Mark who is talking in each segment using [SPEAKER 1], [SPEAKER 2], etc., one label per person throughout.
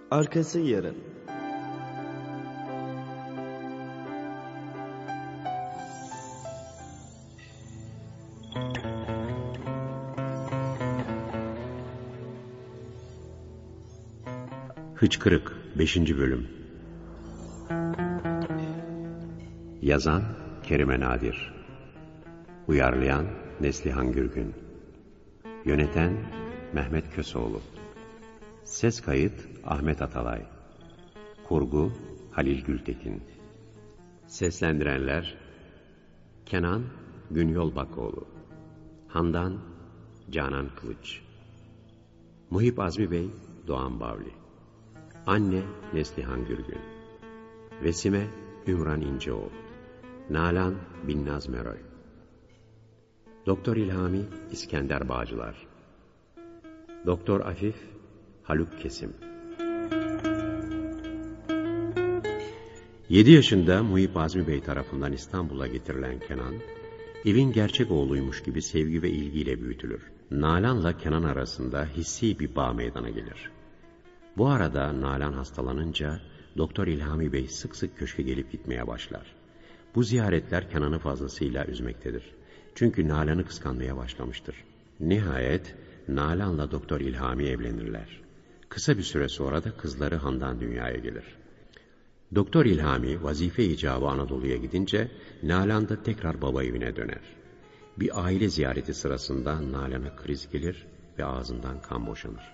[SPEAKER 1] Arkası yarın.
[SPEAKER 2] Hıçkırık 5. Bölüm. Yazan Kerime Nadir, uyarlayan Neslihan Gürgün, yöneten Mehmet Köseoğlu, ses kayıt Ahmet Atalay, kurgu Halil Gültekin, seslendirenler Kenan Günyol Bakoğlu, Handan Canan Kılıç, Muhip Azmi Bey Doğan Bavli, Anne Neslihan Gürgün, Vesime Ümran İnceoğlu, Nalan Binnaz Meroy, Doktor İlhami İskender Bağcılar, Doktor Afif Haluk Kesim. 7 yaşında Muhip Azmi Bey tarafından İstanbul'a getirilen Kenan, evin gerçek oğluymuş gibi sevgi ve ilgiyle büyütülür. Nalan'la Kenan arasında hissi bir bağ meydana gelir. Bu arada Nalan hastalanınca Doktor İlhami Bey sık sık köşke gelip gitmeye başlar. Bu ziyaretler Kenan'ı fazlasıyla üzmektedir. Çünkü Nalan'ı kıskanmaya başlamıştır. Nihayet Nalan'la Doktor İlhami evlenirler. Kısa bir süre sonra da kızları Handan dünyaya gelir. Doktor İlhami vazife icabı Anadolu'ya gidince Nalan da tekrar baba evine döner. Bir aile ziyareti sırasında Nalan'a kriz gelir ve ağzından kan boşanır.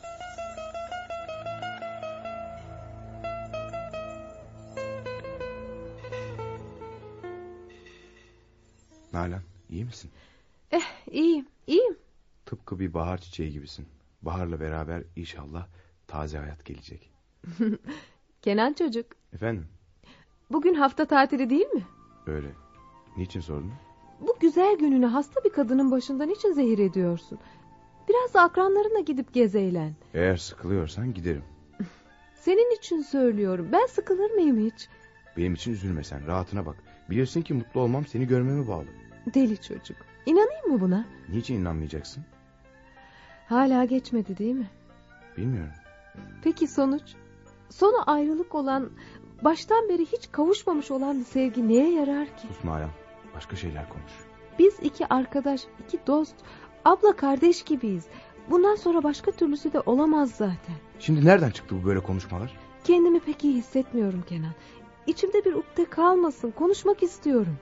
[SPEAKER 3] Nalan, iyi misin?
[SPEAKER 4] İyiyim.
[SPEAKER 3] Tıpkı bir bahar çiçeği gibisin. Baharla beraber inşallah taze hayat gelecek.
[SPEAKER 4] Kenan çocuk.
[SPEAKER 3] Efendim?
[SPEAKER 4] Bugün hafta tatili değil mi?
[SPEAKER 3] Öyle. Niçin sordun?
[SPEAKER 4] Bu güzel gününü hasta bir kadının başından niçin zehir ediyorsun? Biraz da akranlarına gidip gez eğlen.
[SPEAKER 3] Eğer sıkılıyorsan giderim.
[SPEAKER 4] Senin için söylüyorum. Ben sıkılır mıyım hiç?
[SPEAKER 3] Benim için üzülme sen. Rahatına bak. Bilirsin ki mutlu olmam seni görmeme bağlı.
[SPEAKER 4] Deli çocuk. İnanayım mı buna?
[SPEAKER 3] Niçin inanmayacaksın?
[SPEAKER 4] Hala geçmedi değil mi?
[SPEAKER 3] Bilmiyorum.
[SPEAKER 4] Peki sonuç? Sonu ayrılık olan, baştan beri hiç kavuşmamış olan bir sevgi neye yarar ki?
[SPEAKER 3] Sus Nalan. Başka şeyler konuş.
[SPEAKER 4] Biz iki arkadaş, iki dost, abla kardeş gibiyiz. Bundan sonra başka türlüsü de olamaz zaten.
[SPEAKER 3] Şimdi nereden çıktı bu böyle konuşmalar?
[SPEAKER 4] Kendimi pek iyi hissetmiyorum Kenan. İçimde bir ukde kalmasın. Konuşmak istiyorum.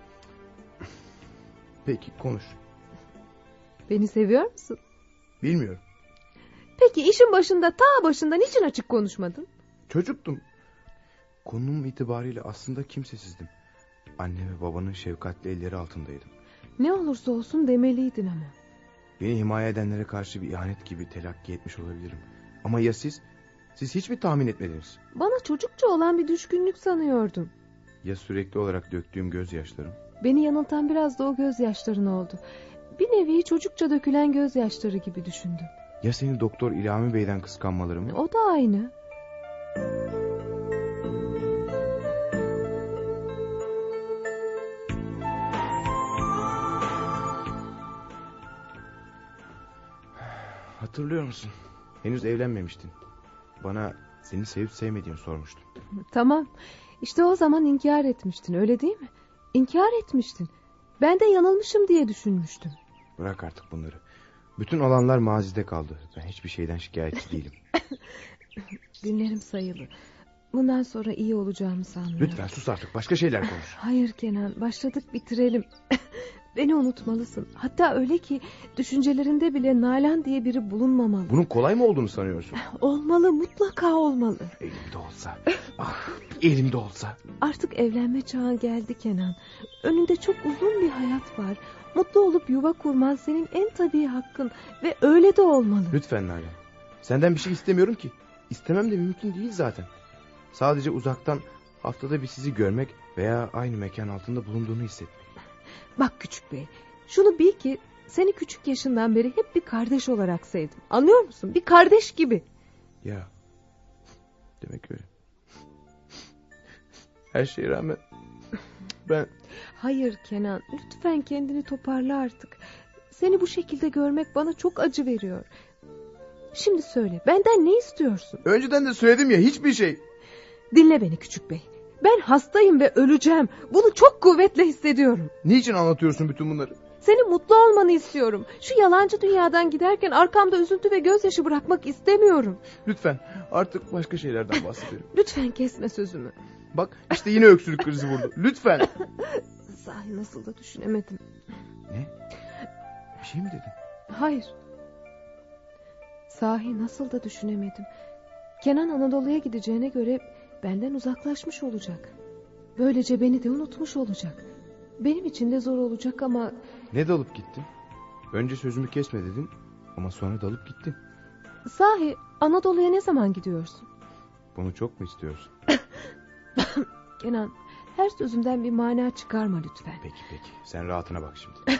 [SPEAKER 3] Peki konuş.
[SPEAKER 4] Beni seviyor musun?
[SPEAKER 3] Bilmiyorum.
[SPEAKER 4] Peki işin başında, ta başında niçin açık konuşmadın?
[SPEAKER 3] Çocuktum. Konum itibariyle aslında kimsesizdim. Anne ve babanın şefkatli elleri altındaydım.
[SPEAKER 4] Ne olursa olsun demeliydin ama.
[SPEAKER 3] Beni himaye edenlere karşı bir ihanet gibi telakki etmiş olabilirim. Ama ya siz? Siz hiç mi tahmin etmediniz?
[SPEAKER 4] Bana çocukça olan bir düşkünlük sanıyordum.
[SPEAKER 3] Ya sürekli olarak döktüğüm gözyaşlarım?
[SPEAKER 4] Beni yanıltan biraz da o gözyaşların oldu. Bir nevi çocukça dökülen gözyaşları gibi düşündüm.
[SPEAKER 3] Ya seni Doktor İlhami Bey'den kıskanmalarım?
[SPEAKER 4] O da aynı.
[SPEAKER 3] Hatırlıyor musun? Henüz evlenmemiştin. Bana seni sevip sevmediğini sormuştun.
[SPEAKER 4] Tamam. İşte o zaman inkar etmiştin, öyle değil mi? İnkar etmiştin. Ben de yanılmışım diye düşünmüştüm.
[SPEAKER 3] Bırak artık bunları. Bütün olanlar mazide kaldı. Ben hiçbir şeyden şikayetçi değilim.
[SPEAKER 4] Günlerim sayılı. Bundan sonra iyi olacağımı sanmıyorum.
[SPEAKER 3] Lütfen sus artık. Başka şeyler konuş.
[SPEAKER 4] Hayır Kenan, başladık bitirelim. Beni unutmalısın. Hatta öyle ki düşüncelerinde bile Nalan diye biri bulunmamalı.
[SPEAKER 3] Bunun kolay mı olduğunu sanıyorsun?
[SPEAKER 4] Olmalı, mutlaka olmalı.
[SPEAKER 3] Elimde olsa. Ah, elimde olsa.
[SPEAKER 4] Artık evlenme çağı geldi Kenan. Önünde çok uzun bir hayat var. Mutlu olup yuva kurman senin en tabii hakkın. Ve öyle de olmalı.
[SPEAKER 3] Lütfen Nalan. Senden bir şey istemiyorum ki. İstemem de mümkün değil zaten. Sadece uzaktan haftada bir sizi görmek veya aynı mekan altında bulunduğunu hissetmek.
[SPEAKER 4] Bak küçük bey, şunu bil ki seni küçük yaşından beri hep bir kardeş olarak sevdim. Anlıyor musun? Bir kardeş gibi.
[SPEAKER 3] Ya, demek öyle. Her şeye rağmen ben...
[SPEAKER 4] Hayır Kenan, lütfen kendini toparla artık. Seni bu şekilde görmek bana çok acı veriyor. Şimdi söyle, benden ne istiyorsun?
[SPEAKER 3] Önceden de söyledim ya, hiçbir şey.
[SPEAKER 4] Dinle beni küçük bey. Ben hastayım ve öleceğim. Bunu çok kuvvetle hissediyorum.
[SPEAKER 3] Niçin anlatıyorsun bütün bunları?
[SPEAKER 4] Senin mutlu olmanı istiyorum. Şu yalancı dünyadan giderken arkamda üzüntü ve gözyaşı bırakmak istemiyorum.
[SPEAKER 3] Lütfen artık başka şeylerden bahsedelim.
[SPEAKER 4] Lütfen kesme sözümü.
[SPEAKER 3] Bak işte yine öksürük krizi vurdu. Lütfen.
[SPEAKER 4] Sahi nasıl da düşünemedim.
[SPEAKER 3] Ne? Bir şey mi dedin?
[SPEAKER 4] Hayır. Sahi nasıl da düşünemedim. Kenan Anadolu'ya gideceğine göre benden uzaklaşmış olacak. Böylece beni de unutmuş olacak. Benim için de zor olacak ama...
[SPEAKER 3] Ne dalıp gittin? Önce sözümü kesme dedin ama sonra dalıp gittin.
[SPEAKER 4] Sahi Anadolu'ya ne zaman gidiyorsun?
[SPEAKER 3] Bunu çok mu istiyorsun?
[SPEAKER 4] Kenan, her sözümden bir mana çıkarma lütfen.
[SPEAKER 3] Peki sen rahatına bak şimdi.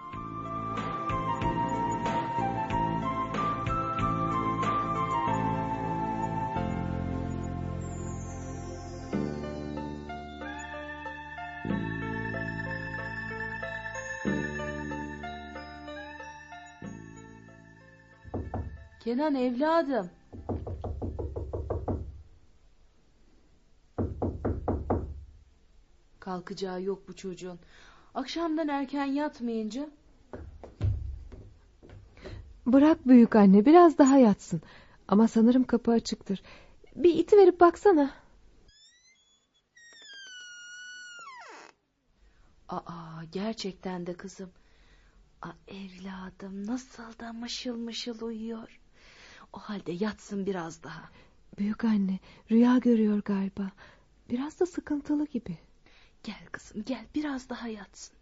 [SPEAKER 1] Kenan evladım. Kalkacağı yok bu çocuğun. Akşamdan erken yatmayınca.
[SPEAKER 4] Bırak büyük anne, biraz daha yatsın. Ama sanırım kapı açıktır. Bir iti verip baksana.
[SPEAKER 1] Gerçekten de kızım. Evladım nasıl da mışıl mışıl uyuyor. O halde yatsın biraz daha.
[SPEAKER 4] Büyük anne, rüya görüyor galiba. Biraz da sıkıntılı gibi.
[SPEAKER 1] Gel kızım gel, biraz daha yatsın.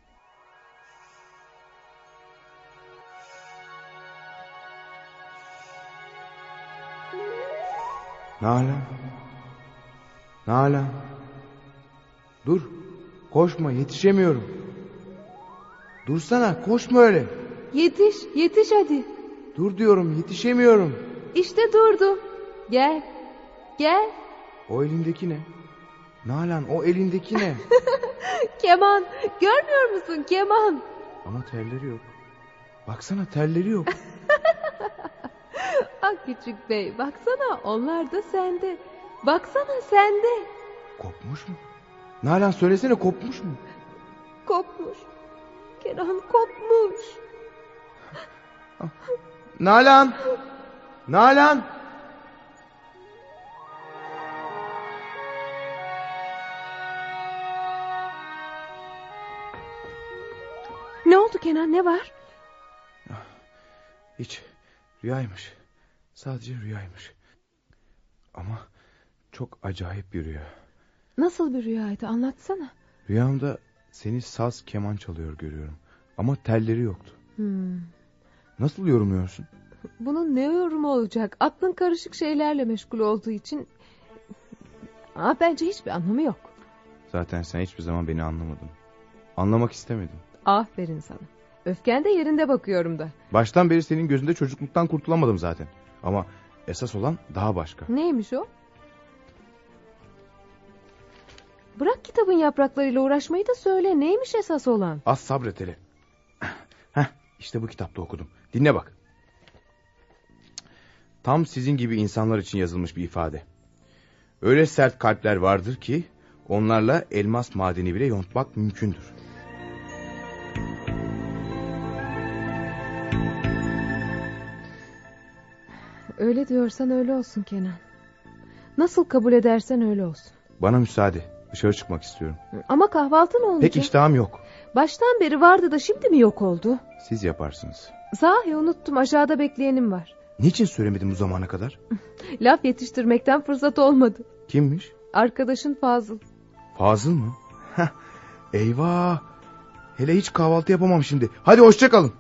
[SPEAKER 3] Nalan. Dur. Koşma, yetişemiyorum. Dursana, koşma öyle.
[SPEAKER 4] Yetiş hadi.
[SPEAKER 3] Dur diyorum, yetişemiyorum.
[SPEAKER 4] İşte durdum. Gel.
[SPEAKER 3] O elindeki ne? Nalan, o elindeki ne?
[SPEAKER 4] Keman, görmüyor musun keman?
[SPEAKER 3] Ama terleri yok. Baksana, terleri yok.
[SPEAKER 4] Küçük bey, baksana onlar da sende. Baksana sende.
[SPEAKER 3] Kopmuş mu? Nalan söylesene, kopmuş mu?
[SPEAKER 4] Kopmuş. Kenan kopmuş.
[SPEAKER 3] Nalan.
[SPEAKER 4] Ne oldu Kenan, ne var?
[SPEAKER 3] Hiç, rüyaymış. Sadece rüyaymış. Ama çok acayip bir rüya.
[SPEAKER 4] Nasıl bir rüyaydı, anlatsana.
[SPEAKER 3] Rüyamda seni saz keman çalıyor görüyorum. Ama telleri yoktu. Nasıl yorumluyorsun?
[SPEAKER 4] Bunun ne yorumu olacak? Aklın karışık şeylerle meşgul olduğu için... bence hiçbir anlamı yok.
[SPEAKER 3] Zaten sen hiçbir zaman beni anlamadın. Anlamak istemedim.
[SPEAKER 4] Aferin sana. Öfken de yerinde bakıyorum da.
[SPEAKER 3] Baştan beri senin gözünde çocukluktan kurtulamadım zaten. Ama esas olan daha başka.
[SPEAKER 4] Neymiş o? Bırak kitabın yapraklarıyla uğraşmayı da söyle. Neymiş esas olan?
[SPEAKER 3] Az sabret hele. İşte bu kitapta okudum. Dinle bak. Tam sizin gibi insanlar için yazılmış bir ifade. Öyle sert kalpler vardır ki onlarla elmas madeni bile yontmak mümkündür.
[SPEAKER 4] Öyle diyorsan öyle olsun Kenan. Nasıl kabul edersen öyle olsun.
[SPEAKER 3] Bana müsaade. Dışarı çıkmak istiyorum.
[SPEAKER 4] Ama kahvaltı ne olacak?
[SPEAKER 3] Pek iştahım yok.
[SPEAKER 4] Baştan beri vardı da şimdi mi yok oldu?
[SPEAKER 3] Siz yaparsınız.
[SPEAKER 4] Sahi unuttum, aşağıda bekleyenim var.
[SPEAKER 3] Niçin söylemedim bu zamana kadar?
[SPEAKER 4] Laf yetiştirmekten fırsat olmadı.
[SPEAKER 3] Kimmiş?
[SPEAKER 4] Arkadaşın Fazıl.
[SPEAKER 3] Fazıl mı? Eyvah. Hele hiç kahvaltı yapamam şimdi. Hadi hoşça kalın.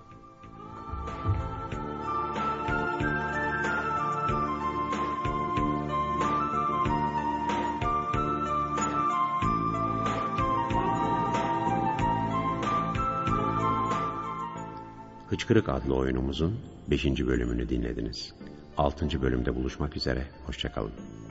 [SPEAKER 2] Hıçkırık adlı oyunumuzun 5. bölümünü dinlediniz. 6. bölümde buluşmak üzere, hoşça kalın.